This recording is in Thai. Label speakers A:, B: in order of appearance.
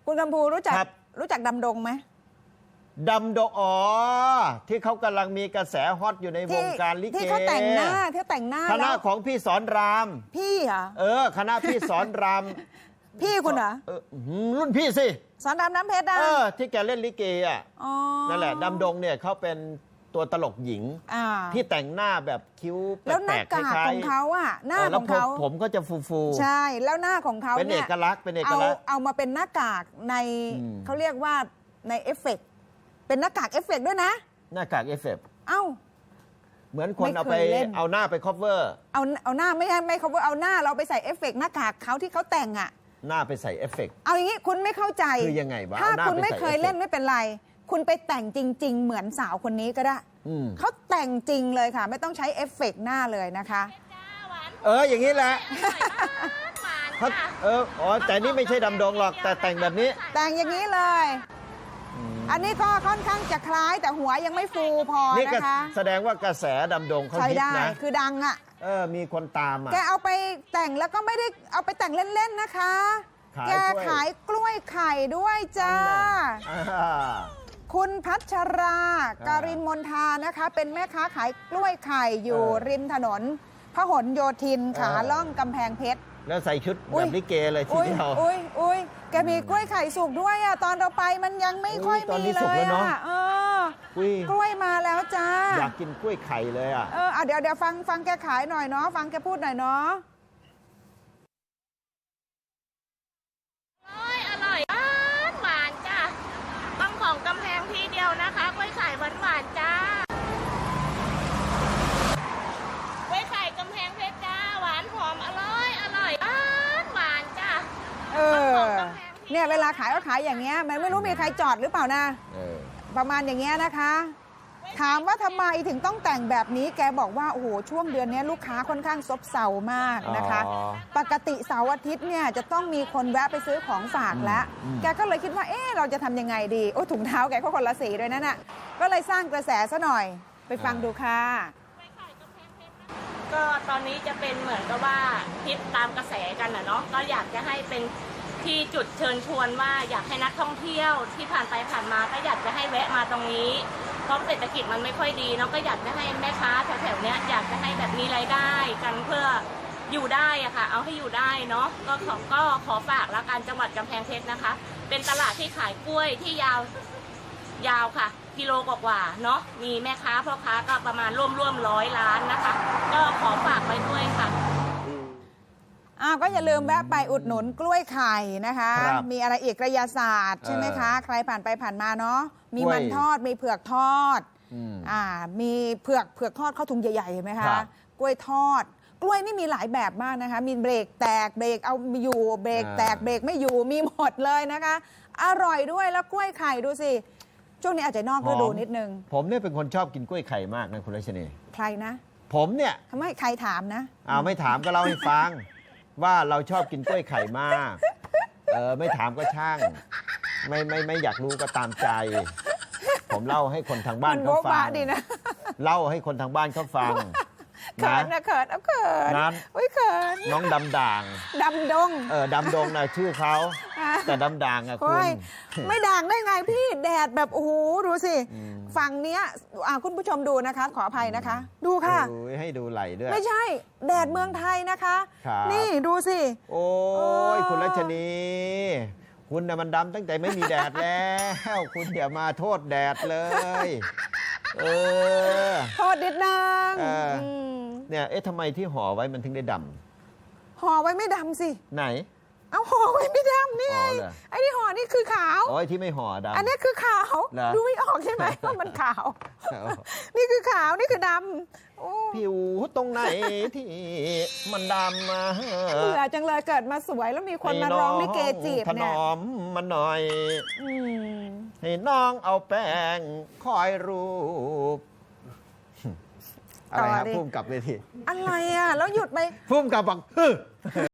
A: คุณกำพูรู้จักดำดงไหม
B: ดำดงอ๋อที่เขากำลังมีกระแสฮอตอยู่ในวงการลิเก
A: ที่เขาแต่งหน้า
B: คณะของพี่สอนราม
A: พี่เหรอ
B: คณะพี่สอนราม
A: พี่คุณเหรอ
B: รุ่นพี่สิ
A: สอนรามน้ำเพชรนะ
B: ที่แกเล่นลิเกอ่ะนั่นแหละดำดงเนี่ยเขาเป็นตัวตลกหญิงที่แต่งหน้าแบบคิ้วแปลกๆ
A: แล้วหน้ากากของเขาอ่ะหน้าของเขา
B: ผมก็จะฟู
A: ๆใช่แล้วหน้าของเขา
B: เป็นเอกลักษณ์
A: เอามาเป็นหน้ากากในเขาเรียกว่าในเอฟเฟกต์เป็นหน้ากากเอฟเฟกต์ด้วยนะ
B: หน้ากากเอฟเฟกต์เหมือนคนเอาหน้าไปคอฟเวอร์
A: เอาหน้าไม่คอฟเวอร์เอาหน้าเราไปใส่เอฟเฟกต์หน้ากากเขาที่เขาแต่งอ่ะ
B: หน้าไปใส่เอฟเฟกต์
A: เอาอย่างนี้คุณไม่เข้าใจ
B: คือยังไงวะ
A: ถ้าคุณไม่เคยเล่นไม่เป็นไรคุณไปแต่งจริงๆเหมือนสาวคนนี้ก็ได้เขาแต่งจริงเลยค่ะไม่ต้องใช้เอฟเฟกต์หน้าเลยนะคะ
B: อย่างนี้แหละเขาแต่นี่ไม่ใช่ดำดงหรอกแต่แต่งแบบนี้
A: แต่งอย่างนี้เลยอันนี้ก็ค่อนข้างจะคล้ายแต่หัวยังไม่ฟูพอนะคะ
B: แสดงว่ากระแสดำดงเขาฮิตนะ
A: คือดังอ่ะ
B: มีคนตามอ่ะ
A: แกเอาไปแต่งแล้วก็ไม่ได้เอาไปแต่งเล่นๆนะคะแกขายกล้วยไข่ด้วยจ้าคุณพัชราการินมนทานะคะเป็นแม่ค้าขายกล้วยไข่อยู่ริมถนนพหลโยธินขาล่องกำแพงเพชร
B: แล้วใส่ชุดแบบลิเกเลยทีเดียว
A: แกมีกล้วยไข่สุกด้วยอ่ะตอนเราไปมันยังไม่ค่อยมีเลยอ่ะกล้วยมาแล้วจ้า
B: อยากกินกล้วยไข่เลยอ่ะ
A: เดี๋ยวฟังแกขายหน่อยเนาะฟังแกพูดหน่อยเนาะ
C: อร่อยหวานจ้าต้องของกำแพงทีเดียวนะคะกล้วยไข่หวานจ้ากล้วยไข่กำแพงเพชรจ้าหวานหอมอร่อยหวานจ้า
A: เนี่ยเวลาขายก็ขายอย่างเงี้ยมันไม่รู้มีใครจอดหรือเปล่านะประมาณอย่างเงี้ยนะคะถามว่าทำไมถึงต้องแต่งแบบนี้แกบอกว่าโอ้โหช่วงเดือนนี้ลูกค้าค่อนข้างซบเซามากนะคะปกติเสาร์อาทิตย์เนี่ยจะต้องมีคนแวะไปซื้อของฝากแล้วแกก็เลยคิดว่าเราจะทำยังไงดีถุงเท้าแกก็คนละสีด้วยนั่นน่ะก็เลยสร้างกระแสซะหน่อยไปฟังดูค่ะ
C: ก็ตอนนี้จะเป็นเหมือนกับว่าฮิตตามกระแสกันเนาะก็อยากจะให้เป็นที่จุดเชิญชวนว่าอยากให้นักท่องเที่ยวที่ผ่านไปผ่านมาก็อยากจะให้แวะมาตรงนี้เพราะเศรษฐกิจมันไม่ค่อยดีเนาะก็อยากจะให้แม่ค้าแถวๆนี้อยากจะให้แบบมีรายได้กันเพื่ออยู่ได้อะค่ะเอาให้อยู่ได้เนาะก็ขอฝากละกันจังหวัดกำแพงเพชรนะคะเป็นตลาดที่ขายกล้วยที่ยาวค่ะกิโลกว่าเนาะมีแม่ค้าพ่อค้าก็ประมาณร่วม100 ล้านนะคะก็ขอฝากไว้ด้วยค่ะ
A: ก็อย่าลืมแวะไปอุดหนุนกล้วยไข่นะคะมีอะไรอีกกระยาศาสตร์ใช่ไหมคะใครผ่านไปผ่านมาเนาะมีมันทอดมีเผือกทอดมีเผือกทอดเข้าถุงใหญ่ๆเห็นไหมคะกล้วยทอดกล้วยนี่มีหลายแบบมากนะคะมีเบรกแตกเบรกเอาอยู่เบรกแตกเบรกไม่อยู่มีหมดเลยนะคะอร่อยด้วยแล้วกล้วยไข่ดูสิช่วงนี้อาจจะนอกฤดูนิดนึง
B: ผมเนี่ยเป็นคนชอบกินกล้วยไข่มากนะคุณรัชนี
A: ใครนะ
B: ผมเนี่ย
A: ทำไมใครถามนะ
B: ไม่ถามก็เล่าให้ฟังว่าเราชอบกินกล้วยไข่มากไม่ถามก็ช่างไม่อยากรู้ก็ตามใจผมเล่าให้คนทางบ้านเขาฟังเล่าให้คนทางบ้านเขาฟัง
A: เขินนะเขิน
B: นั้น
A: เขิน
B: น้องดำด่าง
A: ดำดง
B: ดำดงนะชื่อเขาแต่ดำด่างอะคุณ
A: ไม่ด่างได้ไงพี่แดดแบบโอ้โหดูสิฝั่งเนี้ยคุณผู้ชมดูนะคะขออภัยนะคะดูค่ะ
B: ให้ดูไหลด้วย
A: ไม่ใช่แดดเมืองไทยนะคะนี่ดูสิ
B: โอ้ยคุณรัชนีคุณน่ะมันดำตั้งแต่ไม่มีแดดแล้วคุณอย่ามาโทษแดดเลย
A: โทษนิดนึง
B: เนี่ยทำไมที่ห่อไว้มันถึงได้ดำ
A: ห่อไว้ไม่ดำสิ
B: ไหน
A: เอาห่อไว้ไม่ดำนี่ไอ้ที่ห่อนี่คือขาว
B: ไอ้ที่ไม่ห่อดำ
A: อันนี้คือขาวดูไม่ออกใช่ไหมว่ามันขาวนี่คือขาวนี่คือดำ
B: ผิวตรงไหนที่มันดำมา
A: เบื่อจังเลยเกิดมาสวยแล้วมีคนมาร้องลิเกจีบเนี่ย
B: ถนอมมันหน่อยให้น้องเอาแป้งคอยรูปอะไรครับพุ่มกลับเวที
A: อะไรแล้วหยุดไป
B: พุ่มกลับบอก